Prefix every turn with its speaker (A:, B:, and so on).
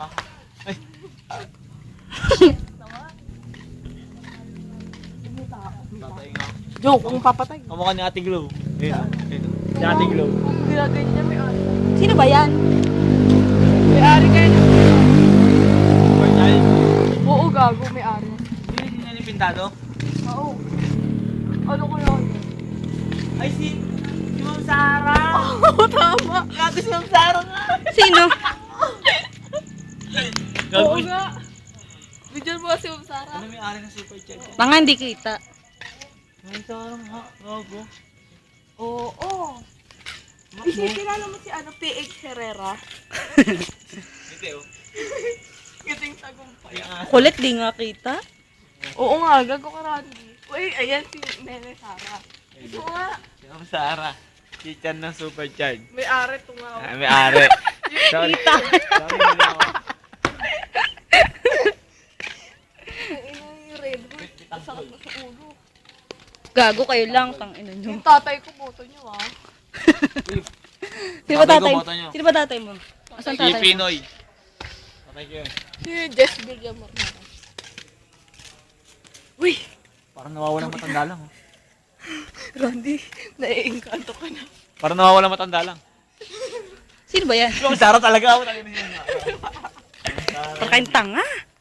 A: ka. Ay. Tatay nga.
B: Joke, kung papatay.
A: Kamukha ni Ate Glow. Ayun. Si Ate Glow.
B: Kung ginagayin niya, may ari.
C: Sino ba yan?
B: May ari kayo na.
A: Super child.
B: Oo, gago, may ari.
A: Hindi na ni Pintado?
B: Oo. Ano ko yun?
A: Ay, si Ma'am Sara.
B: Oo, tama.
A: Gago si Ma'am Sara nga.
C: Sino?
B: Oo nga. Bigyan mo kasi Ma'am Sara.
A: Ano may ari ng super child?
C: Mga hindi kita.
A: Ma'am Sara nga. Gago.
B: Oo. Kilala mo si ano, PH Herrera?
A: Hindi oh.
B: Giting tagumpay.
C: Kulit, di nga kita.
B: Oo nga, gago ka Randy. Uy, ayan si Nene Sara. Oo nga.
A: Si Ma'am Sara. Kitchen ng super child.
B: May ari tungaw.
A: Ah, may ari. Sorry. Sorry, hindi ako.
B: Ang ina yung red hood. Sakit na sa ulo.
C: Gago kayo lang, tang ina nyo.
B: Yung tatay ko, boto niyo ah.
C: Sino ba
A: Tatay ko,
C: tatay?
A: boto nyo.
C: Sino ba tatay mo? Asan
A: Si
C: tatay mo?
A: Pinoy. Patay ko yun.
B: Si Jess Villamor na. Uy!
A: Parang nawawalang matanda lang. Oh.
B: Randy, naiingkanto ka na.
A: Parang nawawalang matanda lang.
C: Sino ba yan?
A: Si Ma'am Sara talaga ako.
C: Parang kayong tanga.